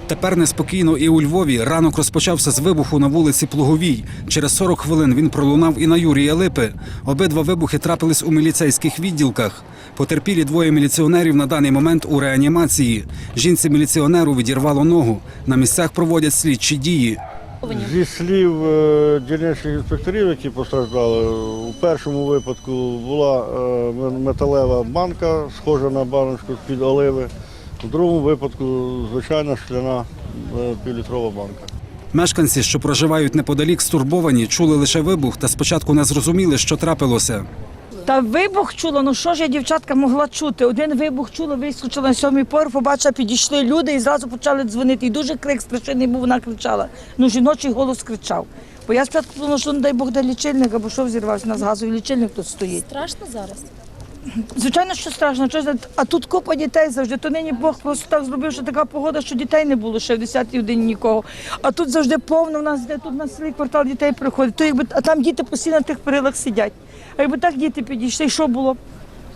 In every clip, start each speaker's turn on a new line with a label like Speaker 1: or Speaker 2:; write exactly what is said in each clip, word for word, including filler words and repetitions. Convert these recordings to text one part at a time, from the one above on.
Speaker 1: Тепер неспокійно і у Львові. Ранок розпочався з вибуху на вулиці Плуговій. Через сорок хвилин він пролунав і на Юрія Липи. Обидва вибухи трапились у міліцейських відділках. Потерпілі двоє міліціонерів на даний момент у реанімації. Жінці-міліціонеру відірвало ногу. На місцях проводять слідчі дії.
Speaker 2: Зі слів е, дільничних інспекторів, які постраждали, у першому випадку була е, металева банка, схожа на баночку з-під оливи. У другому випадку звичайна шкляна е, півлітрова банка.
Speaker 1: Мешканці, що проживають неподалік, стурбовані, чули лише вибух та спочатку не зрозуміли, що трапилося.
Speaker 3: Та вибух чула, ну що ж я, дівчатка, могла чути? Один вибух чула, вискочила на сьомий поверх, побачила, підійшли люди і зразу почали дзвонити. І дуже крик страшенний був, вона кричала. Ну, жіночий голос кричав. Бо я спочатку думала, що, не дай Бог, де лічильник, або що взірвався, у нас газовий лічильник тут стоїть.
Speaker 4: Страшно зараз?
Speaker 3: Звичайно, що страшно. А тут купа дітей завжди. То нині Бог просто так зробив, що така погода, що дітей не було ще в десятій годині нікого. А тут завжди повно, в нас де тут на селі квартал дітей приходить. То якби, а там діти постійно на тих перилах сидять. А якби так діти підійшли, що було б?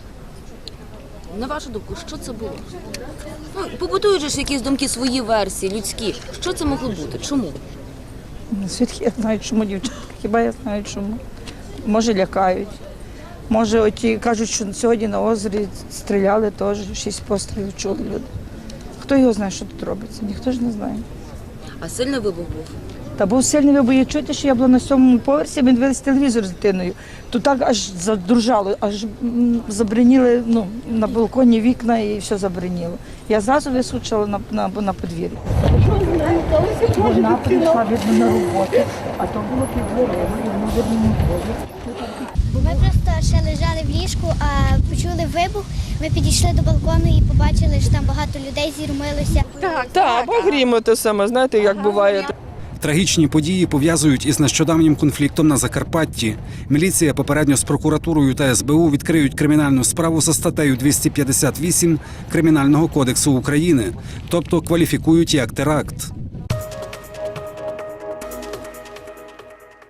Speaker 4: На вашу думку, що це було? Ну, побудують же ж якісь думки, свої версії, людські. Що це могло бути? Чому?
Speaker 3: Звідки я знаю, чому, дівчатка? Хіба я знаю, чому? Може, лякають. Може, оті кажуть, що сьогодні на озері стріляли теж, шість пострілів чули люди. Хто його знає, що тут робиться? Ніхто ж не знає.
Speaker 4: А сильний вибух був?
Speaker 3: Та був сильний вибух. Я чуєте, що я була на сьомому поверсі, ми дивилися телевізор з дитиною. То так аж задружало, аж забриніли, ну, на балконі вікна і все забриніло. Я зразу вискочила на, на, на подвір'я. Вона прийшла, видно, на роботу, а то було під дверима, і вона, видно, на дворі.
Speaker 5: Ми просто ще лежали в ліжку, а почули вибух. Ми підійшли до балкону і побачили, що там багато людей зірмилося.
Speaker 6: Так, так, або грімо те саме, знаєте, як буває.
Speaker 1: Трагічні події пов'язують із нещодавнім конфліктом на Закарпатті. Міліція попередньо з прокуратурою та ес бе у відкриють кримінальну справу за статтею двісті п'ятдесят вісім Кримінального кодексу України, тобто кваліфікують як теракт.